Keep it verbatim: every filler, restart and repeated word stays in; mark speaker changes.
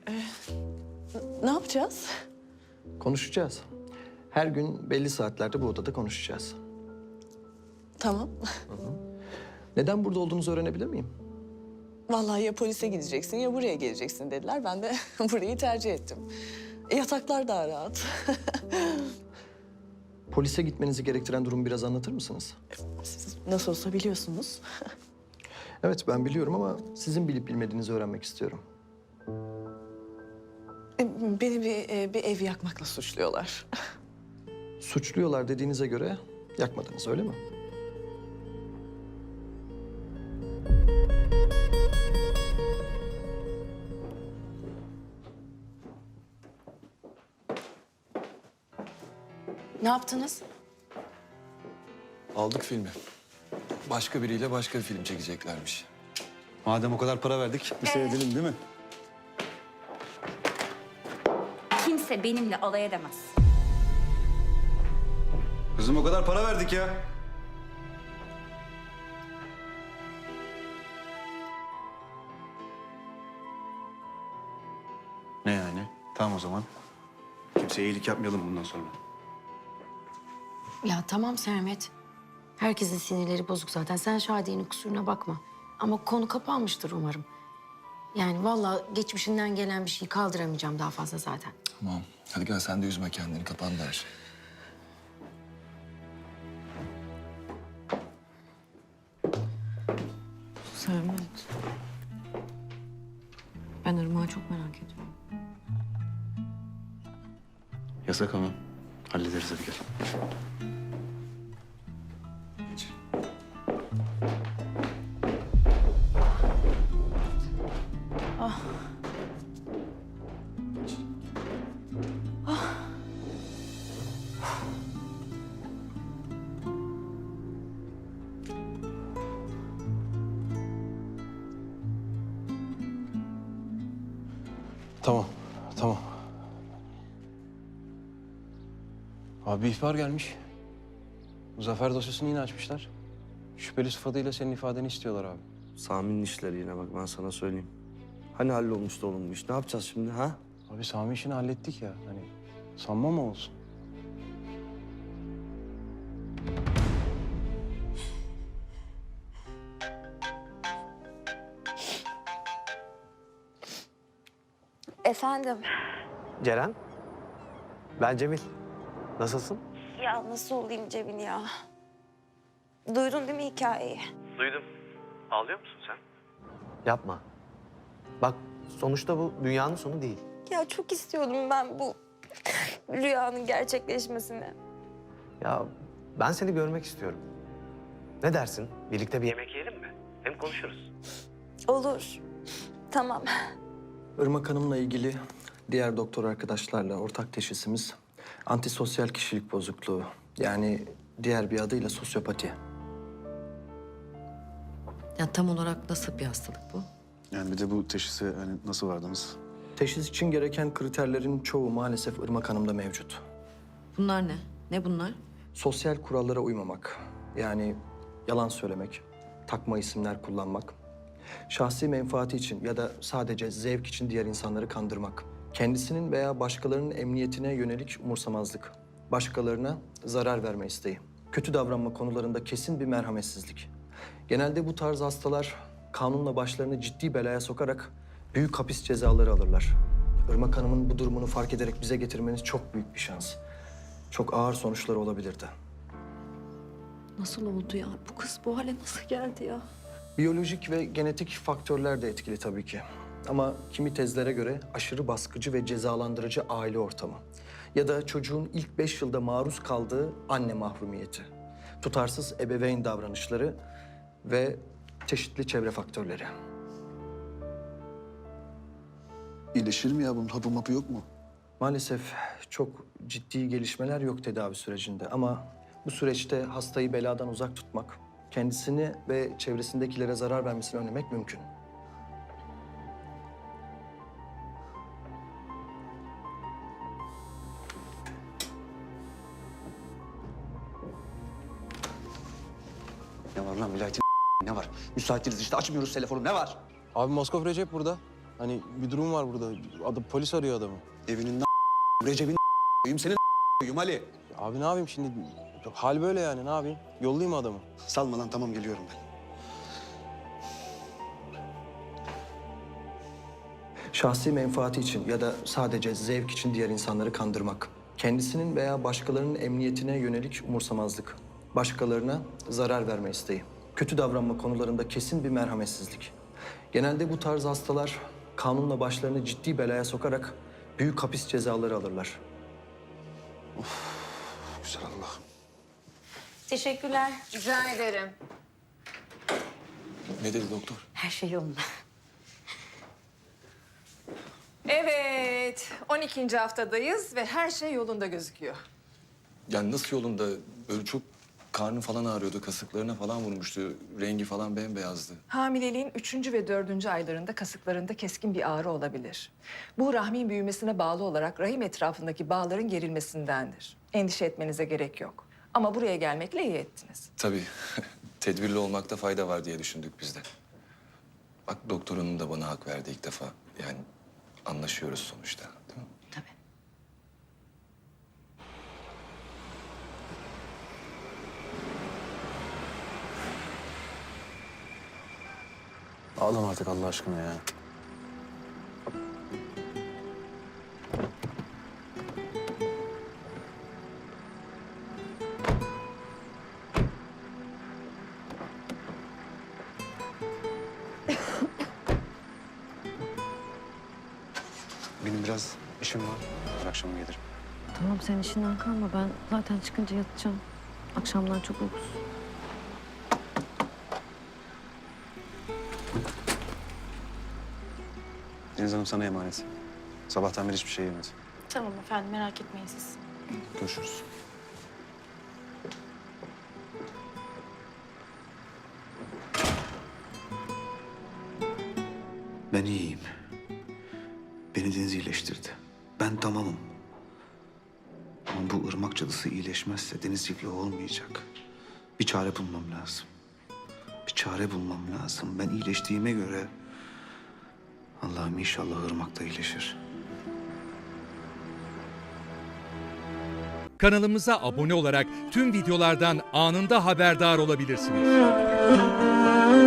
Speaker 1: Ne yapacağız?
Speaker 2: Konuşacağız. Her gün belli saatlerde bu odada konuşacağız.
Speaker 1: Tamam.
Speaker 2: Neden burada olduğunuzu öğrenebilir miyim?
Speaker 1: Vallahi ya polise gideceksin ya buraya geleceksin dediler. Ben de burayı tercih ettim. E, yataklar daha rahat.
Speaker 2: Polise gitmenizi gerektiren durumu biraz anlatır mısınız?
Speaker 1: Siz nasıl olsa biliyorsunuz.
Speaker 2: Evet, ben biliyorum ama sizin bilip bilmediğinizi öğrenmek istiyorum.
Speaker 1: E, Beni bir, e, bir ev yakmakla suçluyorlar.
Speaker 2: Suçluyorlar dediğinize göre yakmadınız, öyle mi?
Speaker 3: Ne yaptınız?
Speaker 4: Aldık filmi. Başka biriyle başka bir film çekeceklermiş.
Speaker 5: Madem o kadar para verdik, bir seyredelim değil mi?
Speaker 6: Kimse benimle alay edemez.
Speaker 5: Kızım o kadar para verdik ya. Ne yani? Tamam o zaman. Kimseye iyilik yapmayalım bundan sonra.
Speaker 3: Ya tamam Sermet. Herkesin sinirleri bozuk zaten. Sen Şadiye'nin kusuruna bakma. Ama konu kapanmıştır umarım. Yani vallahi geçmişinden gelen bir şeyi kaldıramayacağım daha fazla zaten.
Speaker 4: Tamam. Hadi gel sen de üzme kendini. Kapandı her şey.
Speaker 3: Sermet. Ben Irmak'ı çok merak ediyorum.
Speaker 5: Yasak ama. Hallederiz hadi gel.
Speaker 4: Geç.
Speaker 7: Tamam, tamam. Abi bir ihbar gelmiş. Zafer dosyasını yine açmışlar. Şüpheli sıfatıyla senin ifadeni istiyorlar abi.
Speaker 8: Sami'nin işleri yine bak ben sana söyleyeyim. Hani hallolmuştu oğlum bu iş? Ne yapacağız şimdi ha?
Speaker 7: Abi Sami işini hallettik ya. Hani sanma mı olsun?
Speaker 9: Efendim?
Speaker 8: Ceren? Ben Cemil. Nasılsın?
Speaker 9: Ya nasıl olayım Cemil ya? Duydun değil mi hikayeyi?
Speaker 8: Duydum. Ağlıyor musun sen? Yapma. Bak sonuçta bu dünyanın sonu değil.
Speaker 9: Ya çok istiyordum ben bu rüyanın gerçekleşmesini.
Speaker 8: Ya ben seni görmek istiyorum. Ne dersin? Birlikte bir yemek yiyelim mi? Hem konuşuruz.
Speaker 9: Olur. Tamam.
Speaker 2: Irmak Hanım'la ilgili diğer doktor arkadaşlarla ortak teşhisimiz antisosyal kişilik bozukluğu. Yani diğer bir adıyla sosyopati.
Speaker 3: Ya tam olarak nasıl bir hastalık bu?
Speaker 5: Yani bir de bu teşhise hani nasıl vardınız?
Speaker 2: Teşhis için gereken kriterlerin çoğu maalesef Irmak Hanım'da mevcut.
Speaker 3: Bunlar ne? Ne bunlar?
Speaker 2: Sosyal kurallara uymamak, yani yalan söylemek, takma isimler kullanmak, şahsi menfaati için ya da sadece zevk için diğer insanları kandırmak, kendisinin veya başkalarının emniyetine yönelik umursamazlık, başkalarına zarar verme isteği, kötü davranma konularında kesin bir merhametsizlik. Genelde bu tarz hastalar kanunla başlarını ciddi belaya sokarak büyük hapis cezaları alırlar. Irmak Hanım'ın bu durumunu fark ederek bize getirmeniz çok büyük bir şans. Çok ağır sonuçları olabilirdi.
Speaker 3: Nasıl oldu ya? Bu kız bu hale nasıl geldi ya?
Speaker 2: Biyolojik ve genetik faktörler de etkili tabii ki. Ama kimi tezlere göre aşırı baskıcı ve cezalandırıcı aile ortamı. Ya da çocuğun ilk beş yılda maruz kaldığı anne mahrumiyeti. Tutarsız ebeveyn davranışları ve çeşitli çevre faktörleri.
Speaker 4: İyileşir mi ya? Bunun hapı mapı yok mu?
Speaker 2: Maalesef çok ciddi gelişmeler yok tedavi sürecinde ama bu süreçte hastayı beladan uzak tutmak, kendisini ve çevresindekilere zarar vermesini önlemek mümkün.
Speaker 5: Ne var lan vilayetin ne var? Müsaitiz işte açmıyoruz telefonu ne var?
Speaker 7: Abi Moskov Recep burada. Hani bir durum var burada. Adı, polis arıyor adamı.
Speaker 5: Evinin Recep'in koyayım senin koyayım Ali.
Speaker 7: Abi ne yapayım şimdi? Hal böyle yani, ne yapayım? Yollayayım mı adamı?
Speaker 5: Salma lan, tamam geliyorum ben.
Speaker 2: Şahsi menfaati için ya da sadece zevk için diğer insanları kandırmak. Kendisinin veya başkalarının emniyetine yönelik umursamazlık. Başkalarına zarar verme isteği. Kötü davranma konularında kesin bir merhametsizlik. Genelde bu tarz hastalar kanunla başlarını ciddi belaya sokarak büyük hapis cezaları alırlar.
Speaker 5: Güzel Allah.
Speaker 3: Teşekkürler.
Speaker 10: Rica ederim.
Speaker 4: Ne dedi doktor?
Speaker 3: Her şey yolunda.
Speaker 10: Evet, on ikinci haftadayız ve her şey yolunda gözüküyor.
Speaker 4: Yani nasıl yolunda? Böyle çok karnı falan ağrıyordu, kasıklarına falan vurmuştu. Rengi falan bembeyazdı.
Speaker 10: Hamileliğin üçüncü ve dördüncü aylarında kasıklarında keskin bir ağrı olabilir. Bu rahmin büyümesine bağlı olarak rahim etrafındaki bağların gerilmesindendir. Endişe etmenize gerek yok. Ama buraya gelmekle iyi ettiniz.
Speaker 4: Tabii tedbirli olmakta fayda var diye düşündük biz de. Bak doktor hanım da bana hak verdi ilk defa. Yani anlaşıyoruz sonuçta, değil mi?
Speaker 3: Tabii.
Speaker 7: Ağlama artık Allah aşkına ya.
Speaker 5: Benim biraz işim var. Her akşam gelirim.
Speaker 3: Tamam sen işinden kalma. Ben zaten çıkınca yatacağım. Akşamdan çok uykusuz.
Speaker 5: Deniz Hanım sana emanet. Sabahtan beri hiçbir şey yemedi.
Speaker 11: Tamam efendim, merak etmeyin siz.
Speaker 5: Görüşürüz. Ben iyiyim. Beni Deniz iyileştirdi. Ben tamamım. Ama bu ırmak cadısı iyileşmezse Deniz iflah olmayacak. Bir çare bulmam lazım. Bir çare bulmam lazım. Ben iyileştiğime göre Allah'ım inşallah ırmak da iyileşir.
Speaker 12: Kanalımıza abone olarak tüm videolardan anında haberdar olabilirsiniz.